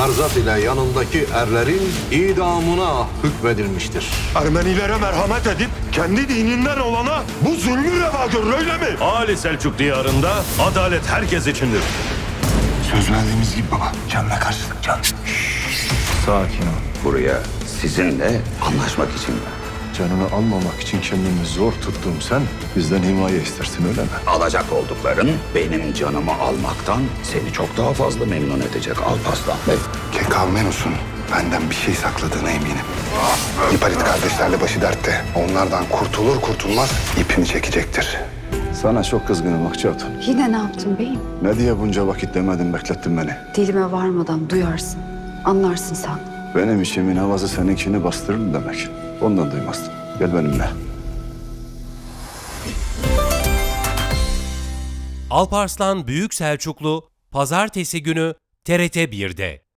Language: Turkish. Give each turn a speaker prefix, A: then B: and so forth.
A: Erzat ile yanındaki erlerin idamına hükmedilmiştir.
B: Ermenilere merhamet edip kendi dininden olana bu zulmü reva görür, öyle mi?
C: Ali Selçuk diyarında adalet herkes içindir.
D: Söz verdiğimiz gibi baba. Canına karşılık can.
E: Sakin ol.
F: Buraya sizinle anlaşmak için mi?
E: Canını almamak için kendini zor tuttum sen. Bizden himaye istersin öyle mi?
F: Alacak oldukların benim canımı almaktan seni çok daha fazla memnun edecek Alparslan Bey.
D: Kekavmenus'un benden bir şey sakladığına eminim. Hipalit kardeşlerle başı dertte. Onlardan kurtulur kurtulmaz ipini çekecektir.
E: Sana çok kızgınım Akça Hatun.
G: Yine ne yaptın beyim?
E: Ne diye bunca vakit demedin, beklettin beni.
G: Dilime varmadan duyarsın. Anlarsın sen.
E: Benim içimin havası seninkini bastırır demek. Ondan duymazdım. Gel benimle.
H: Alparslan Büyük Selçuklu Pazartesi günü TRT 1'de.